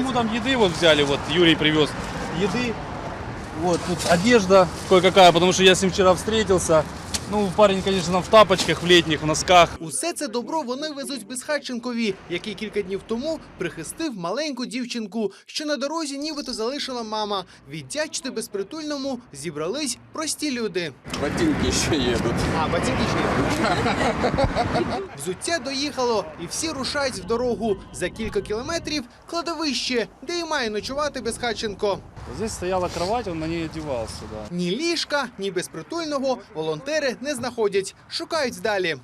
ему там еды вот взяли, вот Юрий привез еды. Вот тут одежда кое-какая, потому что я с ним вчера встретился. Ну, парень, конечно, там в тапочках, в летних, в носках. Усе це добро вони везуть Безхатченкові, який кілька днів тому прихистив маленьку дівчинку, що на дорозі нібито залишила мама. Віддячити безпритульному зібрались прості люди. Ботинки ще їдуть. А, ботинки ще. Взуття доїхало, і всі рушають в дорогу. За кілька кілометрів – кладовище, де і має ночувати Безхатченко. Здесь стояла кровать, он на ней одевался, да. Ні ліжка, ні безпритульного волонтери не знаходять. Шукають далі.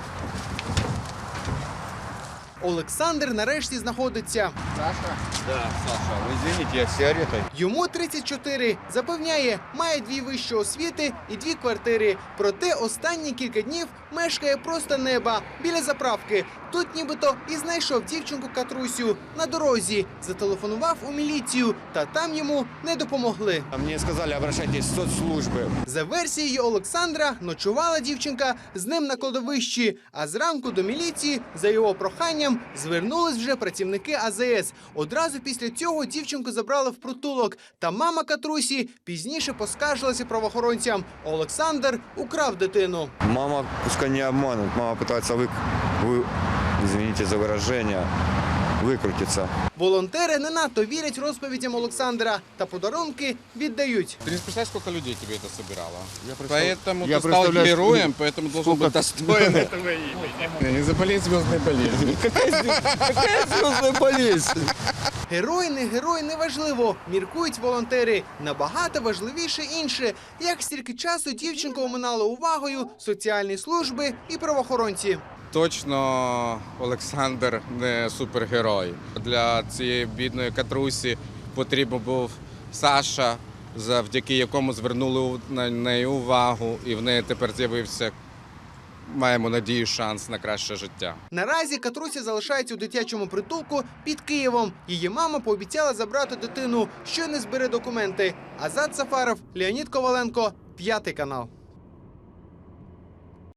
Олександр нарешті знаходиться. Да, Саша, вы извините, я с сигаретой. Йому 34. Запевняє, має 2 вищі освіти і 2 квартири. Проте останні кілька днів мешкає просто неба, біля заправки. Тут нібито і знайшов дівчинку Катрусю на дорозі. Зателефонував у міліцію, та там йому не допомогли. Мне сказали, обращайтесь в соцслужбы. За версією Олександра, ночувала дівчинка з ним на кладовищі, а зранку до міліції, за його проханням, звернулись вже працівники АЗС. Одразу після цього дівчинку забрали в притулок, та мама Катрусі пізніше поскаржилася правоохоронцям. Олександр украв дитину. Мама пускай не обманут. Мама пытается извините за выражение, выкрутиться. Волонтери не надто вірять розповідям Олександра та подарунки віддають. Ты не представляешь, сколько людей тебе это собирало? я Поэтому ты стал представляю, героем, поэтому должен быть достоин этого имени. Не заболей звездной болезнью. Какая звездная болезнь? Герой, не герой, неважливо, міркують волонтери. Набагато важливіше інше, як стільки часу дівчинку оминали увагою соціальні служби і правоохоронці. Точно Олександр не супергерой. Для цієї бідної Катрусі потрібен був Саша, завдяки якому звернули на неї увагу, і в неї тепер з'явився, маємо надію, шанс на краще життя. Наразі Катруся залишається у дитячому притулку під Києвом. Її мама пообіцяла забрати дитину, що не збере документи. Азат Сафаров, Леонід Коваленко, 5 канал.